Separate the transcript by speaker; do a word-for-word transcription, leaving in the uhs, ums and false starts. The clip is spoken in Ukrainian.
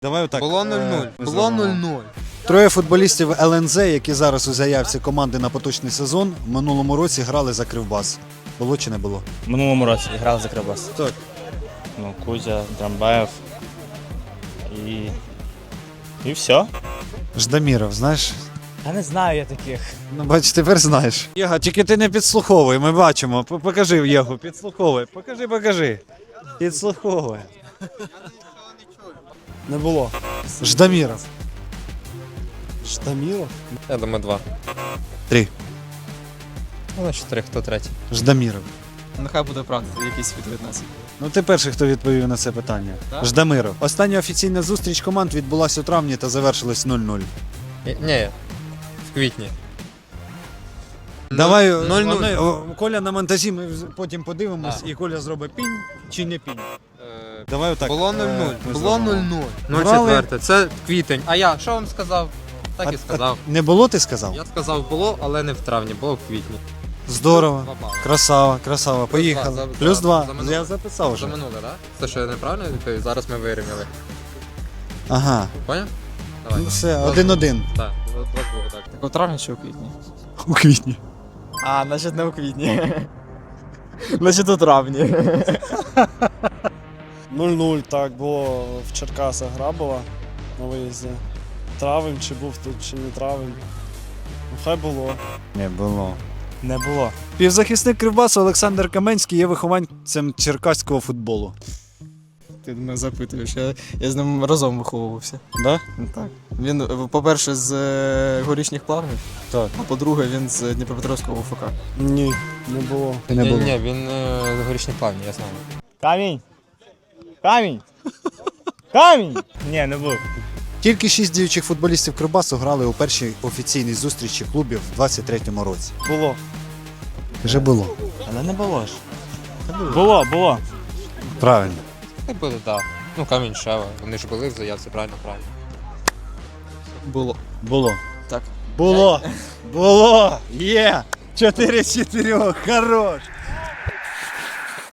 Speaker 1: Давай отак.
Speaker 2: Було нуль нуль.
Speaker 1: Е,
Speaker 2: Було нуль нуль.
Speaker 1: Троє футболістів ел ен зет, які зараз у заявці команди на поточний сезон, в минулому році грали за Кривбас. Було чи не було?
Speaker 3: В минулому році грав за Кривбас.
Speaker 1: Так.
Speaker 3: Ну, Кузя, Драмбаєв і. І все.
Speaker 1: Ждаміров, знаєш?
Speaker 3: Я не знаю я таких.
Speaker 1: Ну, бач, тепер знаєш. Єга, тільки ти не підслуховуй, ми бачимо. П- Покажи Єгу, підслуховуй. Покажи, покажи. Підслуховуй.
Speaker 4: Не було.
Speaker 1: Ждаміров.
Speaker 4: Штаміров?
Speaker 2: Я думаю, два.
Speaker 1: Три.
Speaker 2: Ну, на чотири, хто третій?
Speaker 1: Ждаміров.
Speaker 5: Нехай буде правда, якийсь відповідь нас.
Speaker 1: Ну ти перший, хто відповів на це питання.
Speaker 5: Так.
Speaker 1: Ждамиров. Остання офіційна зустріч команд відбулася у травні та завершилась нуль нуль.
Speaker 2: Ні, ні, в квітні.
Speaker 1: Давай,
Speaker 2: нуль нуль.
Speaker 1: вони- о, Коля на монтажі, ми потім подивимось, і Коля зробить пінь чи не пінь. Давай отак.
Speaker 2: Було
Speaker 1: е,
Speaker 2: нуль нуль.
Speaker 1: ми
Speaker 2: Було
Speaker 1: зробимо.
Speaker 2: нуль нуль. Ну,
Speaker 1: Грали-
Speaker 2: четверте, це квітень. А я, що вам сказав? Так
Speaker 1: А-
Speaker 2: і сказав.
Speaker 1: а Не було, ти сказав?
Speaker 2: Я сказав було, але не в травні, було в квітні.
Speaker 1: Здорово.
Speaker 2: Два бали.
Speaker 1: Красава, красава. Поїхали.
Speaker 2: два, за-
Speaker 1: Плюс
Speaker 2: за-
Speaker 1: два.
Speaker 2: за минуле.
Speaker 1: Я записав
Speaker 2: За
Speaker 1: вже.
Speaker 2: минуле, так? Це що я неправильно відповів? Зараз ми вирівняли.
Speaker 1: Ага.
Speaker 2: Поняв? Давай.
Speaker 1: Ну все, один-один.
Speaker 2: Так, два двох, так.
Speaker 5: Так у травні чи у квітні?
Speaker 1: У квітні.
Speaker 5: А, значить не у квітні. Значить у травні.
Speaker 4: нуль нуль, так, було в Черкасах гра була на виїзді. Травень, чи був тут, чи не травень. Ну, хай було.
Speaker 1: Не було.
Speaker 3: Не було.
Speaker 1: Півзахисник Кривбасу Олександр Каменський є вихованцем черкаського футболу.
Speaker 5: Ти мене запитуєш, я, я з ним разом виховувався.
Speaker 1: Да?
Speaker 5: Ну, так. Він, е, по-перше, з е, горішніх плавнів,
Speaker 1: Так.
Speaker 5: а по-друге, він з Дніпропетровського УФК.
Speaker 4: Ні, не було.
Speaker 1: Не
Speaker 2: Ні,
Speaker 1: було.
Speaker 2: ні, він е, з горішні плавні, я знаю.
Speaker 3: Камінь! Камінь! Камінь! Ні, не був.
Speaker 1: Тільки шість діючих футболістів Кривбасу грали у першій офіційній зустрічі клубів в двадцять третьому році.
Speaker 4: Було.
Speaker 1: Вже було.
Speaker 3: Але не було ж. Було, було.
Speaker 1: Правильно.
Speaker 2: Так буде, так. Ну, камінь Шева. Вони ж були в заявці, правильно, правильно.
Speaker 5: Було.
Speaker 1: Було.
Speaker 5: Так.
Speaker 1: Було. Було. Є. Чотири з чотирьох. Хорош.